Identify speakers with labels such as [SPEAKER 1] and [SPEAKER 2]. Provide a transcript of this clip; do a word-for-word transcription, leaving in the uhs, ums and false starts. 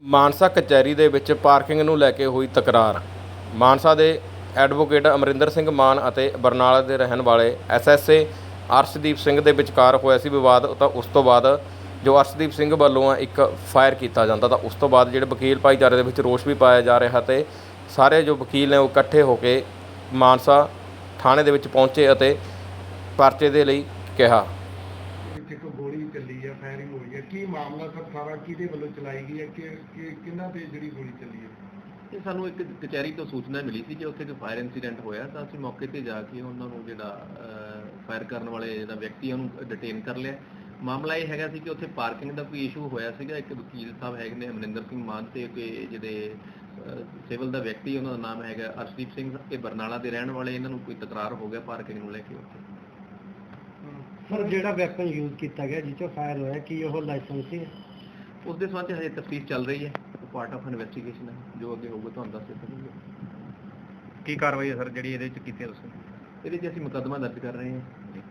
[SPEAKER 1] ਮਾਨਸਾ ਕਚਹਿਰੀ ਦੇ ਵਿੱਚ ਪਾਰਕਿੰਗ ਨੂੰ ਲੈ ਕੇ ਹੋਈ ਤਕਰਾਰ। ਮਾਨਸਾ ਦੇ ਐਡਵੋਕੇਟ ਅਮਰਿੰਦਰ ਸਿੰਘ ਮਾਨ ਅਤੇ ਬਰਨਾਲਾ ਦੇ ਰਹਿਣ ਵਾਲੇ ਐਸਐਸਏ ਅਰਸ਼ਦੀਪ ਸਿੰਘ ਦੇ ਵਿਚਕਾਰ ਹੋਇਆ ਸੀ ਵਿਵਾਦ। ਤਾਂ ਉਸ ਤੋਂ ਬਾਅਦ ਜੋ ਅਰਸ਼ਦੀਪ ਸਿੰਘ ਵੱਲੋਂ ਇੱਕ ਫਾਇਰ ਕੀਤਾ ਜਾਂਦਾ, ਤਾਂ ਉਸ ਤੋਂ ਬਾਅਦ ਜਿਹੜੇ ਵਕੀਲ ਭਾਈਚਾਰੇ ਦੇ ਵਿੱਚ ਰੋਸ ਵੀ ਪਾਇਆ ਜਾ ਰਿਹਾ ਤੇ ਸਾਰੇ ਜੋ ਵਕੀਲ ਨੇ ਉਹ ਇਕੱਠੇ ਹੋ ਕੇ ਮਾਨਸਾ ਥਾਣੇ ਦੇ ਵਿੱਚ ਪਹੁੰਚੇ ਅਤੇ ਪਰਚੇ ਦੇ ਲਈ ਕਿਹਾ।
[SPEAKER 2] ਇੱਥੇ ਕੋਈ ਗੋਲੀ ਚੱਲੀ ਹੈ, ਫਾਇਰਿੰਗ ਹੋਈ ਹੈ, ਕੀ ਮਾਮਲਾ ਸਰ ਸਾਰਾ ਕਿਹਦੇ ਵੱਲੋਂ ਚਲਾਈ ਗਈ ਹੈ, ਕਿ ਕਿ ਕਿਹਨਾਂ ਤੇ ਜਿਹੜੀ ਗੋਲੀ ਚੱਲੀ ਹੈ?
[SPEAKER 3] ਇਹ ਸਾਨੂੰ ਇੱਕ ਕਚਹਿਰੀ ਤੋਂ ਸੂਚਨਾ ਮਿਲੀ ਸੀ ਕਿ ਉੱਥੇ ਕੋਈ ਫਾਇਰ ਇਨਸੀਡੈਂਟ ਹੋਇਆ, ਤਾਂ ਅਸੀਂ ਮੌਕੇ ਤੇ ਜਾ ਕੇ ਉਹਨਾਂ ਨੂੰ ਜਿਹੜਾ ਫਾਇਰ ਕਰਨ ਵਾਲੇ ਜਿਹੜਾ ਵਿਅਕਤੀ ਉਹਨੂੰ ਡਿਟੇਨ ਕਰ ਲਿਆ। ਮਾਮਲਾ ਇਹ ਹੈਗਾ ਸੀ ਕਿ ਉੱਥੇ ਪਾਰਕਿੰਗ ਦਾ ਕੋਈ ਇਸ਼ੂ ਹੋਇਆ ਸੀਗਾ। ਇੱਕ ਵਕੀਲ ਸਾਹਿਬ ਹੈਗੇ ਨੇ ਅਮਰਿੰਦਰ ਸਿੰਘ ਮਾਨ ਤੇ ਕੋਈ ਜਿਹੜੇ ਸਿਵਲ ਦਾ ਵਿਅਕਤੀ, ਉਹਨਾਂ ਦਾ ਨਾਮ ਹੈਗਾ ਅਰਸ਼ਦੀਪ ਸਿੰਘ, ਇਹ ਬਰਨਾਲਾ ਦੇ ਰਹਿਣ ਵਾਲੇ। ਇਹਨਾਂ ਨੂੰ ਕੋਈ ਤਕਰਾਰ ਹੋ ਗਿਆ ਪਾਰਕਿੰਗ ਨੂੰ ਲੈ ਕੇ ਉੱਥੇ।
[SPEAKER 4] ਸਰ ਜਿਹੜਾ ਵੈਪਨ ਯੂਜ਼ ਕੀਤਾ ਗਿਆ ਜਿਸ 'ਚੋਂ ਫਾਇਰ ਹੋਇਆ, ਕੀ ਉਹ ਲਾਇਸੈਂਸੀ ਹੈ?
[SPEAKER 3] ਉਸ ਦੇ ਸੰਬੰਧ 'ਚ ਹਜੇ ਤਫਤੀਸ਼ ਚੱਲ ਰਹੀ ਹੈ, ਪਾਰਟ ਆਫ ਇਨਵੈਸਟੀਗੇਸ਼ਨ ਹੈ। ਜੋ ਅੱਗੇ ਹੋਊਗਾ ਤੁਹਾਨੂੰ ਦੱਸ ਦਿੱਤਾ।
[SPEAKER 4] ਕੀ ਕਾਰਵਾਈ ਹੈ ਸਰ ਜਿਹੜੀ ਇਹਦੇ 'ਚ ਕੀਤੀ ਹੈ ਤੁਸੀਂ?
[SPEAKER 3] ਇਹਦੇ 'ਚ ਅਸੀਂ ਮੁਕੱਦਮਾ ਦਰਜ ਕਰ ਰਹੇ ਹਾਂ।